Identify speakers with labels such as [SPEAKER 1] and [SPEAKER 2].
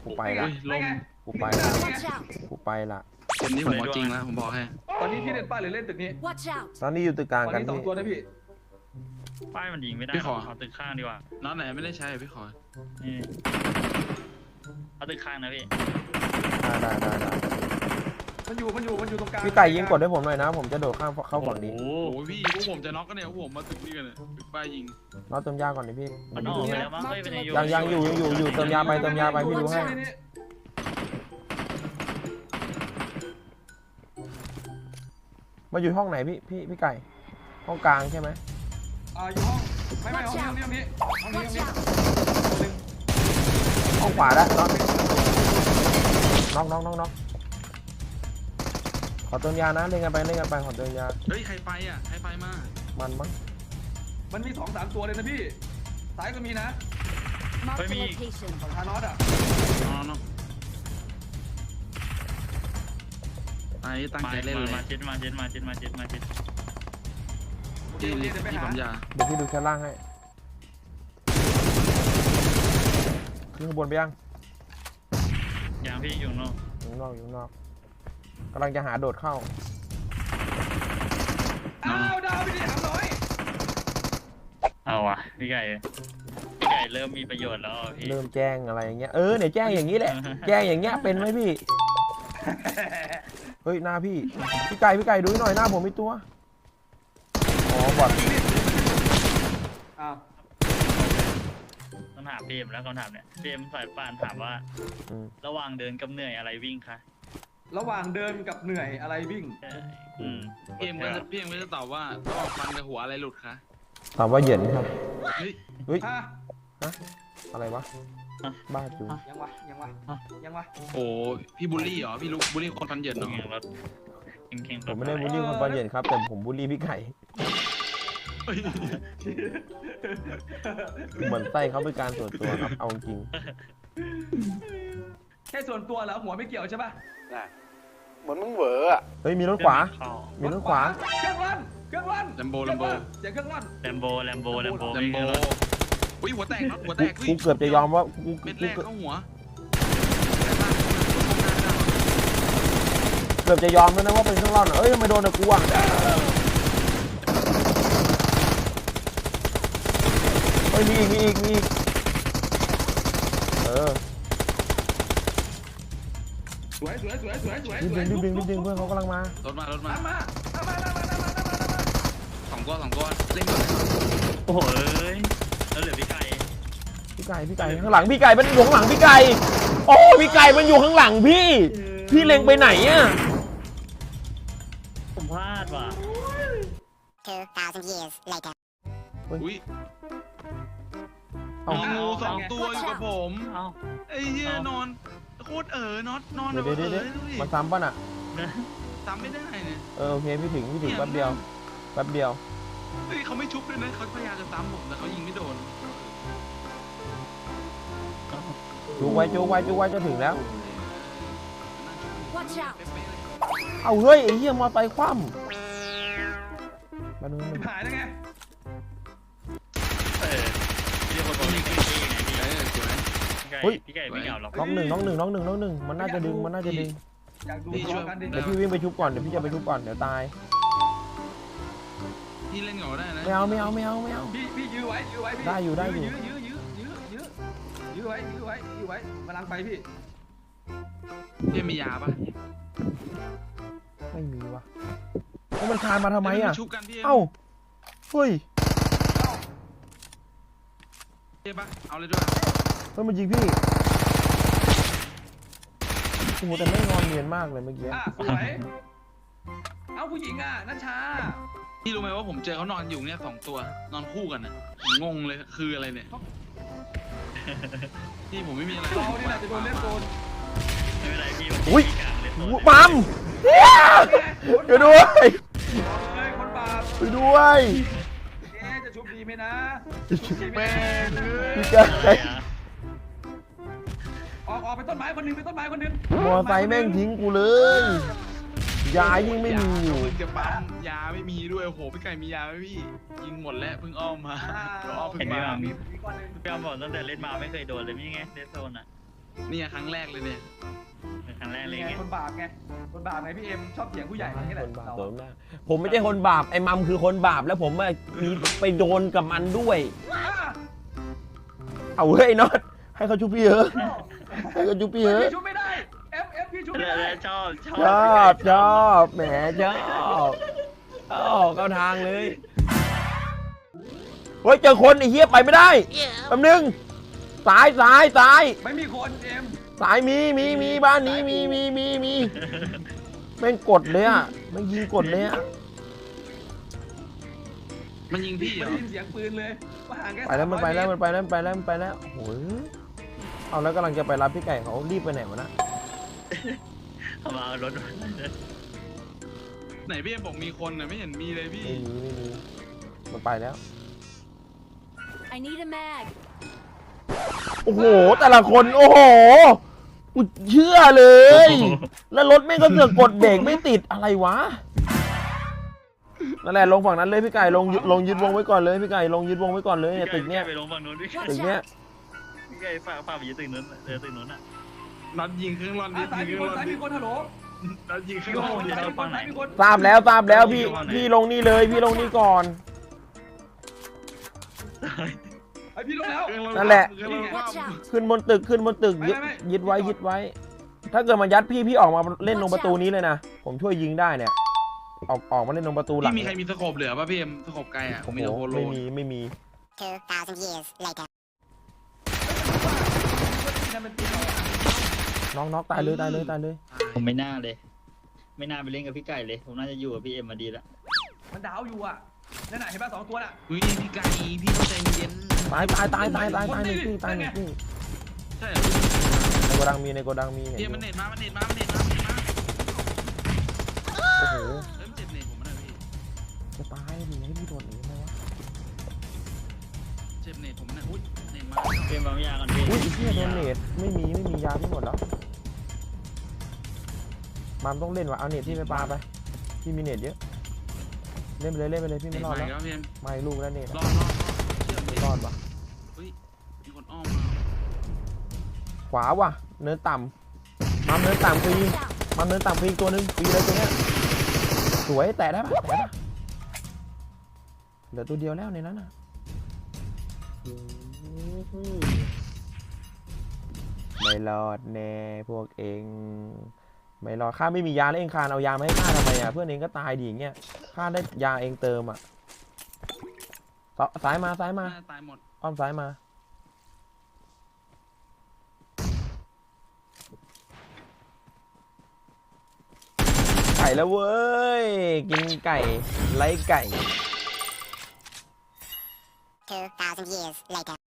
[SPEAKER 1] กูไปละ
[SPEAKER 2] ลง
[SPEAKER 1] กูไปละกูไปละ
[SPEAKER 2] เกมนี้ผมเอาจริงแล้วผมบอกให้
[SPEAKER 3] ตอนนี้พี่เล่นป้ายหรือเล่นตึกนี้
[SPEAKER 4] Watch out!
[SPEAKER 1] ตอนนี้อยู่ตึกกลาง
[SPEAKER 3] ตอน
[SPEAKER 1] กัน
[SPEAKER 3] นี้2
[SPEAKER 1] พี่
[SPEAKER 3] ตัวนะพี่
[SPEAKER 5] ป้ายมันยิงไม่ได้เอาตึกข้างดีกว่า
[SPEAKER 2] น็อตไหนไม่ได้ใช้พี่ขอ
[SPEAKER 5] นี่เอาตึกข้างนะพี่
[SPEAKER 1] ได้
[SPEAKER 3] มันอยู่ตรงกลาง
[SPEAKER 1] พี่ไก่ยิงกดให้ผมหน่อยนะผมจะโดดข้ามเข้าฝั่งนี้
[SPEAKER 5] โอ้
[SPEAKER 2] โอ้พี่พวกผมจะน็อกกันเนี่ยพวกผมมาตึกนี้กันเนี่ยตึกป้ายยิง
[SPEAKER 1] น็อตเติมยาก่อนดิพี่
[SPEAKER 5] มันออกไปแล้วมั้งไม่เป็นไง
[SPEAKER 1] ยังอยู่เติมยาไปพี่ดูให้มาอยู่ห้องไหนพี่ไก่ห้องกลางใช่ไหม
[SPEAKER 3] อยู่ห้องไม่ห้องนี้
[SPEAKER 1] ห้องขวาแล้วน็อกขอเติมยานะเล่นกันไปขอเติมยา
[SPEAKER 2] เฮ้ยใครไปอ่ะใครไปมา
[SPEAKER 1] มันมั้ง
[SPEAKER 3] มันมี 2-3 ตัวเลยนะพี่ซ้ายก็มีนะ
[SPEAKER 4] Mark the location.
[SPEAKER 3] ฝั่งทานอสอ่ะ
[SPEAKER 2] น้องไอ้ตั้งใจเล่นเลย
[SPEAKER 5] มาเจ็ด
[SPEAKER 2] ที่ผมยา
[SPEAKER 1] เดี๋ยวพี่ดูชั้นล่างให้ขึ้นข้างบนไปยัง
[SPEAKER 5] อย่างพี่อยู่นอก
[SPEAKER 1] อยู่นอกกำลังจะหาโดดเข้า
[SPEAKER 3] ดาวพี่ดิถามหน่อย
[SPEAKER 5] เอาวะพี่ไก่เริ่มมีประโยชน์แล้วพี่
[SPEAKER 1] เริ่มแจ้งอะไรอย่างเงี้ยเนี่ยแจ้งอย่างนี้แหละ แจ้งอย่างเงี้ยเป็นไหมพี่เฮ้ยหน้าพี่ไก่ดูหน่อยหน้าผมมีตัวอ๋อบอด
[SPEAKER 5] ต้องถามเปมแล้วคำถามเนี่ยเปมสายป่านถามว่าระหว่างเดินกับเหนื่อยอะไรวิ่งคะ
[SPEAKER 3] ระหว่างเดินกับเหนื่อยอะไรวิ่ง
[SPEAKER 2] พี่เอ็มก็จะตอบว่าระหว่างฟันกับหัวอะไรหลุดคะ
[SPEAKER 1] ตอบว่าเหย็นครับ
[SPEAKER 2] เฮ้ย
[SPEAKER 1] เฮ้ย
[SPEAKER 3] ฮะ
[SPEAKER 1] อะไรวะบ้าจู
[SPEAKER 3] ยังวะ
[SPEAKER 2] โอ้พี่บูลลี่เหรอพี่ลูกบูลลี่คนฟันเหยินเหรอ
[SPEAKER 5] แข่งรถแข่ง
[SPEAKER 1] ผมไม่ได้บูลลี่คนฟันเหย็นครับแต่ผมบูลลี่พี่ไก่เหมือนไส้เขาเป็นการส่วนตัวครับเอาจริง
[SPEAKER 3] แค่ส่วนตัวแล้วหัวไม่เกี่ยวใช่ป่ะ
[SPEAKER 1] เหมือนมึงเหวออ่ะเฮ้ยมีรถขวามีรถขวา
[SPEAKER 3] เครื่องลั่น
[SPEAKER 2] แลมโบ
[SPEAKER 3] เสียงเครื่องลั่น
[SPEAKER 5] แลมโบ
[SPEAKER 2] อุ้ยหัวแตกน็อตหัวแตก
[SPEAKER 1] กูเกือบจะยอมว่ากู
[SPEAKER 2] เม็ดแรกเข้าหัว
[SPEAKER 1] เกือบจะยอมแล้วนะว่าเป็นเครื่องร่อนเอ้ยทำไมโดนกูอ่ะเฮ้ยมีอีก
[SPEAKER 3] สวย
[SPEAKER 1] รีบดึงเพื่อนเขากำลังมาร
[SPEAKER 2] ถมา
[SPEAKER 3] มา
[SPEAKER 2] สองตัวเล่นก่อน
[SPEAKER 5] โอ้โหแล้วเหลือพี่ไก่
[SPEAKER 1] ข้างหลังพี่ไก่มันอยู่ข้างหลังพี่ไก่โอ้พี่ไก่มันอยู่ข้างหลังพี่เล็งไปไหนอ่ะ
[SPEAKER 5] ผมพลาดว่ะ
[SPEAKER 4] 2,000 years later.
[SPEAKER 2] อุ้ย
[SPEAKER 1] เอ้า
[SPEAKER 2] งู2 ตัวอยู่กับผม
[SPEAKER 5] เอา
[SPEAKER 2] ไอ้เหี้ยนอนโคตรน็อตนอน
[SPEAKER 1] เดี๋ยวมันซ้ำป่ะน่ะ
[SPEAKER 2] ซ้ำไม่ได้เนี่ย
[SPEAKER 1] โอเคพี่ถึงแป๊บเดียว
[SPEAKER 2] เฮ้ยเขาไม่ชุบเลยนะเขาพยายามจะซ้ำผมแต่เขายิงไม่โดน
[SPEAKER 1] จูไว้จะถึงแล้ว
[SPEAKER 4] Watch out!
[SPEAKER 1] เอาเฮ้ยไอ้เหี้ยมอไซค์คว่ำมาดู
[SPEAKER 3] หายแล้วไง
[SPEAKER 5] พี่คนบอกนี่คือพี่ไงพี่ไก่ไม่เหงาหรอก
[SPEAKER 1] น้องหนึ่งมันน่าจะดึง
[SPEAKER 3] อยากดูตัวกันดิ
[SPEAKER 1] เดี๋ยวพี่วิ่งไปชุบก่อนเดี๋ยวพี่จะไปชุบก่อนเดี๋ยวตาย
[SPEAKER 2] พี่เล่นเหงาได้นะ
[SPEAKER 1] ไม่เอา
[SPEAKER 3] พี่ยื้อไว้พี่
[SPEAKER 1] ได้อยู่
[SPEAKER 3] ยื้อไว้กำลังไปพี่
[SPEAKER 2] พี่มียาปะ
[SPEAKER 1] ไม่มีวะแล้วมันคานมาทำไมอ่ะ
[SPEAKER 2] ชุบกันพี่
[SPEAKER 1] เอ้าเฮ้ย
[SPEAKER 2] เจ็บปะเอาเลยด้วย
[SPEAKER 1] เฮ้ยมันยิงพี่โอ้โหแต่ไม่งอนเนียนมากเลยเมื่อกี้
[SPEAKER 3] สวยเอาผู้หญิงนัชชา
[SPEAKER 2] พี่รู้ไหมว่าผมเจอเขานอนอยู่เนี่ย2 ตัวนอนคู่กันน่ะงงเลยคืออะไรเนี่ยพี่ผมไม่มีอะไร
[SPEAKER 3] เรานี่แหละจะโดนเล่นโซน
[SPEAKER 5] ไม่เป็นไรพี่
[SPEAKER 1] อุ้ยปั๊มช่วยด้วย
[SPEAKER 3] คนบาป
[SPEAKER 1] ช่วยด้วย
[SPEAKER 3] จะชุบดีไหมนะ
[SPEAKER 1] พี่ไก่
[SPEAKER 3] ออกไปต้นไม้คนนึง
[SPEAKER 1] มอไซค์แม่งทิ้งกูเลยยายิ่งไม่มีอยู่
[SPEAKER 2] เพิ่งจะปั๊มยาไม่มีด้วยโอ้โหพี่ไก่มียาไหมพี่ยิงหมดแล้วเพิ่งอ้อมมา
[SPEAKER 5] เห็นไหมพี่อมบอกตั้งแต่เล่นมาไม่เคยโดนเลยนี่ไงเดซโซนอ่ะ
[SPEAKER 2] นี่ครั้งแรกเลยเนี่ย
[SPEAKER 5] เป็นครั้งแรกเลย
[SPEAKER 3] ไง
[SPEAKER 5] ไง
[SPEAKER 3] คนบาปไงคนบาปไงพี่เอ็มชอบเถียงผู้ใหญ่อย่างนี้แหละ
[SPEAKER 1] คนบาป
[SPEAKER 3] เรา
[SPEAKER 1] โดนมากผมไม่ใช่คนบาปไอ้มัมคือคนบาปแล้วผมมีไปโดนกับมันด้วย
[SPEAKER 3] อ่ะ
[SPEAKER 1] เอาเฮ้ยน็อตให้เขาชุบพี่เหอะให้เขาชุบพี่เหอะ
[SPEAKER 3] พี่ชุบไม่ได้เอฟพี่ชุบไม่ได้
[SPEAKER 5] ชอบ
[SPEAKER 1] ชอบแหมชอบเข้าทางเลยเฮ้ยเจอคนไอ้เหี้ยไปไม่ได้แป๊บนึงสาย
[SPEAKER 3] ไม่มีคนเอ็ม
[SPEAKER 1] สายมีบ้านนี้มีแม่งกดเลยอ่ะไม่งยิงกดเลยอ่ะ
[SPEAKER 2] มันยิงพี่เหร
[SPEAKER 3] ไม่
[SPEAKER 2] อ
[SPEAKER 3] ได้ยินเสียงปืนเลยว่าห่างแค่
[SPEAKER 1] ไปแล้วมันไปแล้ว
[SPEAKER 3] 300
[SPEAKER 1] มันไปแล้วโอ้ยเอาแล้วกำลังจะไปรับพี่ไก่เขารีบไปไหนวะนะ
[SPEAKER 5] เขามาเอารถ
[SPEAKER 2] ไหนพี่เอ็มบอกมีคนน่ะไม่เห็นมีเลยพี่
[SPEAKER 1] ไม่มีมันไปแล้ว
[SPEAKER 4] I need a mag.
[SPEAKER 1] โอ้โหแต่ละคนโอ้โหกูเชื่อเลย แล้วรถแม่งก็เสือกกดเบรกไม่ติดอะไรวะนั่นแหละลงฝั่งนั้นเลยพี่ไก่ลงยึดวงไว้ก่อนเลยพี่ไก่ลงยึดวงไว้ก่อนเลยเนี่ยตึกเนี้ย
[SPEAKER 5] ไปลงฝั่งนู้นพี่
[SPEAKER 1] ตึกเนี้ย
[SPEAKER 5] พี่ไก่ฝากไปยืนตึกนู้นตึกนู้นอ่ะ
[SPEAKER 2] นัดยิงเครื่องรอนดิ
[SPEAKER 3] อ่ะสาย
[SPEAKER 2] ยิ
[SPEAKER 3] มี
[SPEAKER 2] งเค
[SPEAKER 3] ค
[SPEAKER 2] รื่อน งรอนดิ
[SPEAKER 3] สายมีคนฮัลโหล
[SPEAKER 2] นัดยิงเครื่อง
[SPEAKER 3] โอ้
[SPEAKER 2] ร
[SPEAKER 3] โห
[SPEAKER 2] อนดิ
[SPEAKER 3] สายมีคนสายมีคน
[SPEAKER 1] ทราบแล้วพี่ลงนี่เลยพี่ลงนี่ก่อน
[SPEAKER 3] ไอพี่ลงแล้ว
[SPEAKER 2] เครื่องรอน
[SPEAKER 1] นั่นแหละ
[SPEAKER 2] เครื่องรอน
[SPEAKER 4] Watch out.
[SPEAKER 1] ขึ้นบนตึกยึดไว้ถ้าเกิดมายัดพี่ออกมาเล่นตรงประตูนี้เลยนะผมช่วยยิงได้เนี่ยออกมาเล่นตรงประตูหลัง
[SPEAKER 2] พี่มีใครมีสโคปเหลือป่ะพี่เอ็มสโคปไกลอ่ะผมมีแต่โฮโล
[SPEAKER 1] ไม่มี
[SPEAKER 4] 2,000 years later.
[SPEAKER 3] นั่นเป็นตีเราอะ
[SPEAKER 1] น้องตายเลย
[SPEAKER 5] ผมไม่น่าเลย ไม่น่าไปเล่นกับพี่ไก่เลยผมน่าจะอยู่กับพี่เอ็มมาดีละ
[SPEAKER 3] มันดาวอยู่อ่ะนั่นน่ะเห็นป่ะ2 ตัวน่ะ
[SPEAKER 2] อุ้ยพี่ไก่พี่เข้าใจเย็น
[SPEAKER 1] ตายหนึ่งที่
[SPEAKER 2] ใช่เหรอ
[SPEAKER 1] ในโกดังมีเนี่ย
[SPEAKER 2] พี่มันเน็ตมา
[SPEAKER 1] โอ้โห
[SPEAKER 2] เริ่มเจ็บเน็ตผมมันเลยพี่
[SPEAKER 1] จะตายดิให้พี่โดนหนีไหมวะ
[SPEAKER 2] เจ็บเน็ตผมมันอุ้ยเน็ตมา
[SPEAKER 5] เกมบางอย่างก่อนพี่
[SPEAKER 1] อุ้ยเหี้ยโดนเนตไม่มียาพี่หมดแล้วมามต้องเล่นว่ะเอาเนตที่ไปปาไปพี่มีเนตเยอะเล่นไปเลยพี่
[SPEAKER 2] เน็
[SPEAKER 1] ไม่
[SPEAKER 2] ต
[SPEAKER 1] รอด
[SPEAKER 2] มา
[SPEAKER 1] แล้ว
[SPEAKER 2] แล้วพี่เอ็ม
[SPEAKER 1] ไม่ลูกแล้วเนต
[SPEAKER 2] รอดเชื่อม
[SPEAKER 1] ไม่รอดว่ะ
[SPEAKER 2] อุ้ยมีคนอ้อมมา
[SPEAKER 1] ขวาว่ะเนินต่ำมัมเนินต่ำฟรีอีกตัวนึงฟรีเลยตัวเนี้ยสวยแตะได้ปะเหลือตัวเดียวแล้วในนั้นน่ะไม่รอดแน่พวกเองไม่รอดข้าไม่มียาแล้วเองคานเอายามาให้ข้าทำไมอ่ะเพื่อนเองก็ตายดีอย่างเงี้ยข้าได้ยาเองเติมอ่ะซ้ายมา
[SPEAKER 2] ตายหมด
[SPEAKER 1] อ้อมซ้ายมาไก่แล้วเว้ยกินไก่ไล่ไก่
[SPEAKER 4] 2,000 years later.